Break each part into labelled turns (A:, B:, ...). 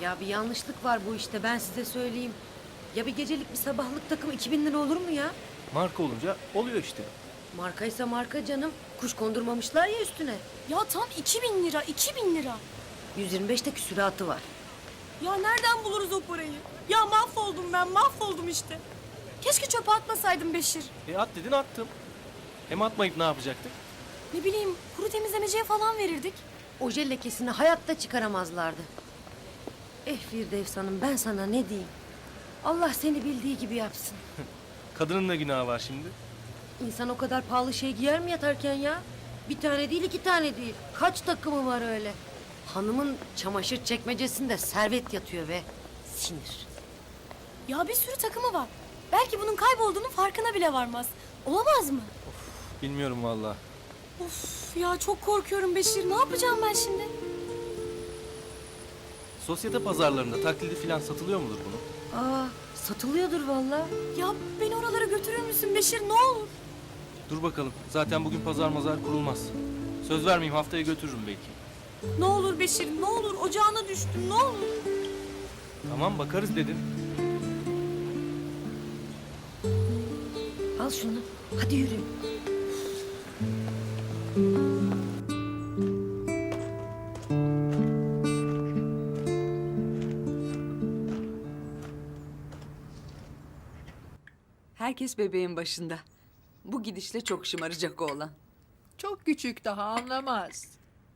A: Ya bir yanlışlık var bu işte, ben size söyleyeyim. Ya bir gecelik bir sabahlık takım 2000 lira olur mu ya?
B: Marka olunca oluyor işte.
A: Markaysa marka canım. Kuş kondurmamışlar ya üstüne.
C: Ya tam 2000 lira, 2000 lira.
A: 125'te küsuratı var.
C: Ya nereden buluruz o parayı? Ya mahvoldum ben, mahvoldum işte. Keşke çöpe atmasaydım Beşir.
B: At dedin attım. Hem atmayıp ne yapacaktık?
C: Ne bileyim, kuru temizlemeciye falan verirdik.
A: Oje lekesini hayatta çıkaramazlardı. Firdevs Hanım, ben sana ne diyeyim? Allah seni bildiği gibi yapsın.
B: Kadının da günahı var şimdi.
A: İnsan o kadar pahalı şey giyer mi yatarken ya? Bir tane değil, 2 tane değil. Kaç takımı var öyle? Hanımın çamaşır çekmecesinde servet yatıyor ve sinir.
C: Ya bir sürü takımı var. Belki bunun kaybolduğunun farkına bile varmaz. Olamaz mı?
B: Bilmiyorum vallahi.
C: Of ya, çok korkuyorum Beşir. Ne yapacağım ben şimdi?
B: Sosyete pazarlarında taklidi falan satılıyor mudur bunu?
A: Aa, satılıyordur vallahi.
C: Ya beni oralara götürür müsün Beşir, ne olur?
B: Dur bakalım. Zaten bugün pazar mazar kurulmaz. Söz vermeyeyim, haftaya götürürüm belki.
C: Ne olur Beşir, ne olur, ocağına düştüm, ne olur.
B: Tamam, bakarız dedin.
A: Al şunu. Hadi yürü.
D: Herkes bebeğin başında. Bu gidişle çok şımaracak oğlan.
E: Çok küçük, daha anlamaz.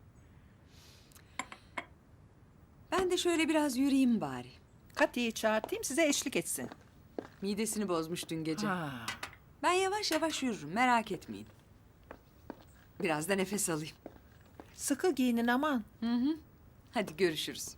D: Ben de şöyle biraz yürüyeyim bari.
E: Kati'yi çağırtayım, size eşlik etsin.
D: Midesini bozmuş dün gece.
E: Ha.
D: Ben yavaş yavaş yürürüm, merak etmeyin. Biraz da nefes alayım.
E: Sıkı giyinin aman.
D: Hadi görüşürüz.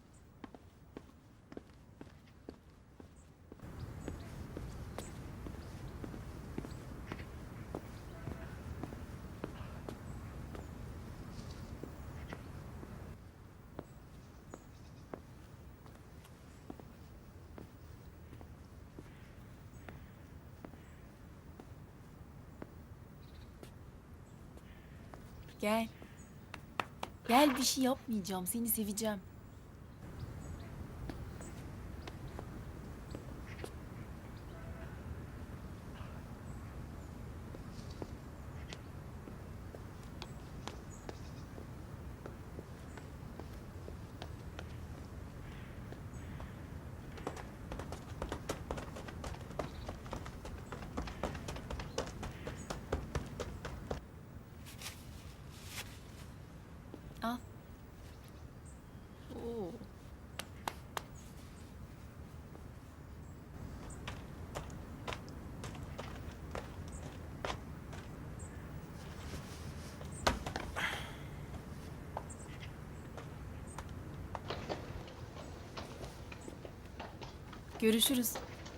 C: Gel. Gel, bir şey yapmayacağım, seni seveceğim. Al. Oo. Görüşürüz.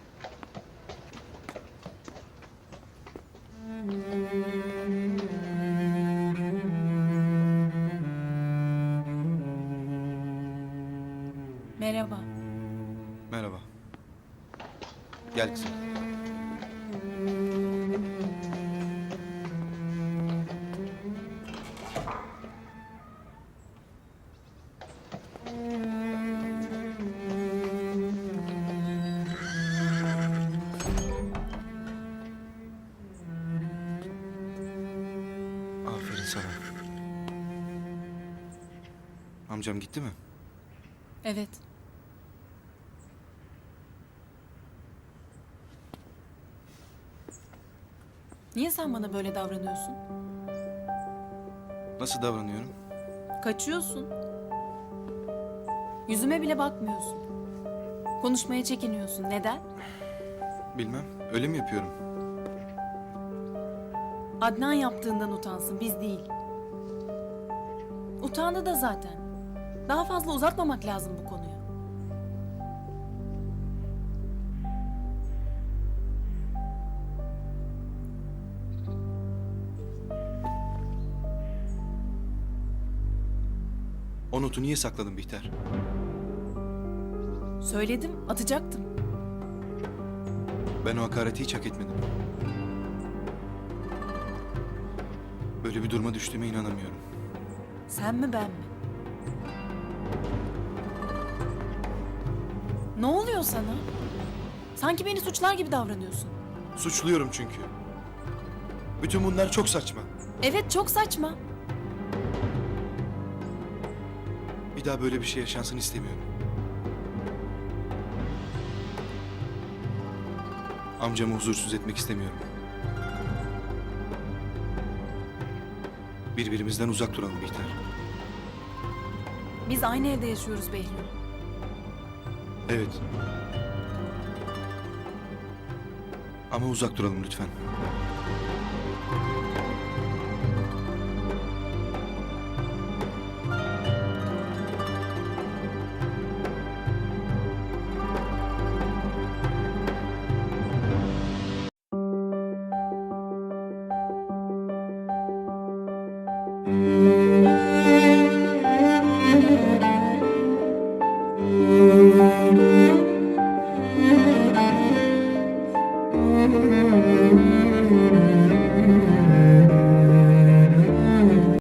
C: Merhaba.
F: Merhaba. Gel kızım. Aferin sana. Amcam gitti mi?
C: Evet. Niye sen bana böyle davranıyorsun?
F: Nasıl davranıyorum?
C: Kaçıyorsun. Yüzüme bile bakmıyorsun. Konuşmaya çekiniyorsun. Neden?
F: Bilmem. Öyle mi yapıyorum?
C: Adnan yaptığından utansın, biz değil. Utandı da zaten. Daha fazla uzatmamak lazım bu konuyu.
F: O notu niye sakladın Bihter?
C: Söyledim, atacaktım.
F: Ben o hakareti hiç hak etmedim. Böyle bir duruma düştüğüme inanamıyorum.
C: Sen mi ben mi? Ne oluyor sana? Sanki beni suçlar gibi davranıyorsun.
G: Suçluyorum çünkü. Bütün bunlar çok saçma.
C: Evet, çok saçma.
G: Bir daha böyle bir şey yaşansın istemiyorum. Amcamı huzursuz etmek istemiyorum. Birbirimizden uzak duralım Bihter.
C: Biz aynı evde yaşıyoruz Behlül.
G: Evet. Ama uzak duralım lütfen.